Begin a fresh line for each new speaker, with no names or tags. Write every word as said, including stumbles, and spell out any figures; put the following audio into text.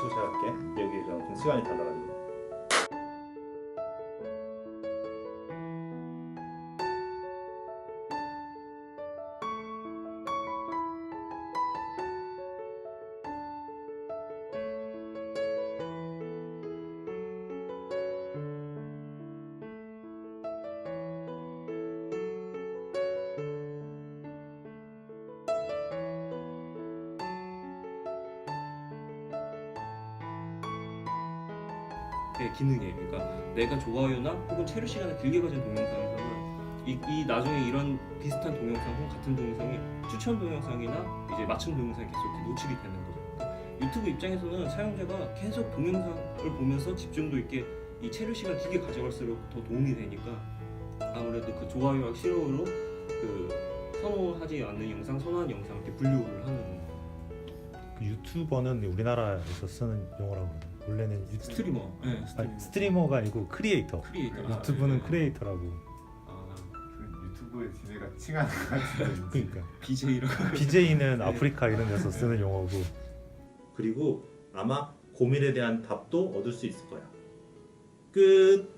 유튜브 시작할게. 여기 좀 시간이 다 나가지고.
의 기능이에요. 그러니까 내가 좋아요나 혹은 체류 시간을 길게 가진 동영상에서는 이, 이 나중에 이런 비슷한 동영상 혹은 같은 동영상이 추천 동영상이나 이제 맞춤 동영상이 계속 이렇게 노출이 되는 거죠. 그러니까 유튜브 입장에서는 사용자가 계속 동영상을 보면서 집중도 있게 이 체류 시간 길게 가져갈수록 더 도움이 되니까 아무래도 그 좋아요와 싫어요로 그 선호하지 않는 영상, 선호하는 영상 이렇게 분류를 하는.
그 유튜버는 우리나라에서 쓰는 용어라고 그러거든요. 원래는 유...
스트리머, 네, 스트리머.
아니, 스트리머가 아니고 크리에이터.
크리에이터.
아, 유튜브는
네.
크리에이터라고.
아,
그 유튜브에 지네가 칭하는 것 같은데.
그러니까
비제이라고.
비제이는 아프리카 이런 데서 쓰는 용어고.
그리고 아마 고민에 대한 답도 얻을 수 있을 거야. 끝.